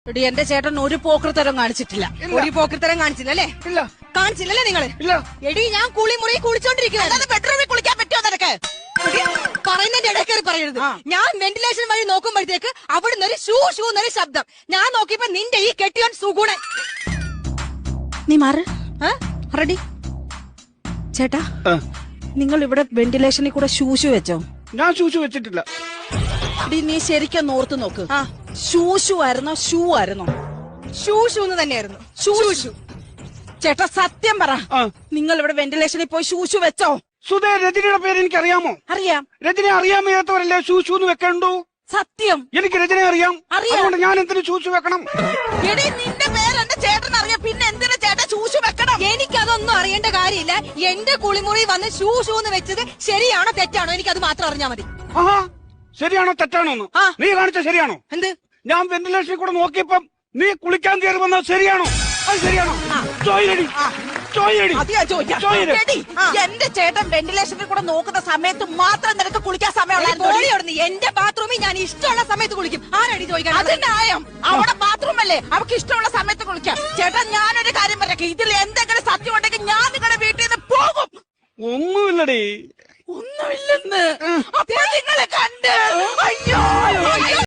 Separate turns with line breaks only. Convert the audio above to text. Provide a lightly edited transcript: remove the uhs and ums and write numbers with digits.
എടി എന്റെ ചേട്ടൻ ഒരു പോക്കൃത്തരം കാണിച്ചിട്ടില്ല.
ഒരു പോക്കൃത്തരം കാണിച്ചില്ല അല്ലേ?
ഇല്ല.
കാണിച്ചില്ലല്ലേ നിങ്ങള്?
ഇല്ല.
എടി ഞാൻ കുളിമുറി കുളിച്ചോണ്ടിരിക്കുക.
ബെഡ്റൂമിൽ കുളിക്കാൻ പറ്റുമോ നിനക്ക്?
പറയുന്നതിന്റെ ഇടയ്ക്കേറി പറയരുത്. ഞാൻ വെന്റിലേഷൻ വഴി നോക്കുമ്പോഴത്തേക്ക് അവിടുന്ന് ഒരു ഷൂ ഷൂ എന്നൊരു ശബ്ദം. ഞാൻ നോക്കിയപ്പോ നിന്റെ ഈ കെട്ടിയോൻ സുഗുണൻ.
നീ മാറ്. റെഡി ചേട്ടാ, നിങ്ങൾ ഇവിടെ വെന്റിലേഷനിൽ കൂടെ ഷൂഷു വെച്ചോ?
ഞാൻ ഷൂഷു വെച്ചിട്ടില്ല.
നീ ശരിക്കും ഓർത്ത് നോക്ക്. ഷൂഷു ആയിരുന്നോ ഷൂ ആയിരുന്നോ?
ഷൂ ഷൂ എന്ന് തന്നെയായിരുന്നു. Shoe shoe.
ചേട്ടാ സത്യം പറ, നിങ്ങൾ ഇവിടെ വെന്റിലേഷനിൽ പോയി ഷൂഷു വെച്ചോ?
സുധേ, രജനിയുടെ പേര് എനിക്ക് അറിയാമോ?
അറിയാം.
രജനെ അറിയാൻ വയ്യാത്തവരല്ലേ ഷൂഷു എന്ന് വെക്കണ്ടു?
സത്യം.
എനിക്ക് രജനെ അറിയാം. അതുകൊണ്ട് ഞാൻ എന്തിനു ഷൂഷു വെക്കണം?
എടി നിന്റെ പേര് എന്റെ ചേട്ടൻ അറിയാം, പിന്നെ എന്തിനാ ചേട്ടൻ ഷൂഷു വെക്കണം?
എനിക്കതൊന്നും അറിയേണ്ട കാര്യമില്ല. എന്റെ കുളിമുറി വന്ന് ഷൂ ഷൂ എന്ന് വെച്ചത് ശരിയാണോ തെറ്റാണോ എനിക്കത് മാത്രം അറിഞ്ഞാൽ മതി.
ആഹാ, ശരിയാണോ തെറ്റാണോ എന്ന് നീ കാണിച്ച ശരിയാണോ?
എന്ത്?
ഞാൻ വെന്റിലേഷനിൽ കൂടെ നോക്കിയപ്പം നീ കുളിക്കാൻ കയറി വന്നത് ശരിയാണോ? അത് ശരിയാണോ? ചോയിലടി, ചോയിലടി.
അത് ഞാൻ ചോദിക്കാം. എടി, എന്റെ ചേട്ടൻ വെന്റിലേഷനിൽ കൂടെ നോക്കുന്ന സമയത്ത് മാത്രം നിനക്ക് കുളിക്കാൻ സമയമുള്ളൂ.
എന്റെ ബാത്റൂമിൽ ഞാൻ ഇഷ്ടമുള്ള സമയത്ത് കുളിക്കും. ആരടി ചോദിക്കാൻ?
അത് ന്യായം. അവിടെ ബാത്റൂം അല്ലേ, അവർക്ക് ഇഷ്ടമുള്ള സമയത്ത് കുളിക്കാം. ചേട്ടൻ ഞാനൊരു കാര്യം പറയാം, ഇതിൽ എന്തെങ്കിലും സത്യം ഉണ്ടെങ്കിൽ ഞാൻ നിങ്ങളുടെ വീട്ടിൽ നിന്ന് പോകും.
ഒന്നുമില്ലടി.
ഒന്നുമില്ലെന്ന് അപ്പോൾ നിങ്ങളെ കണ്ട് അയ്യോ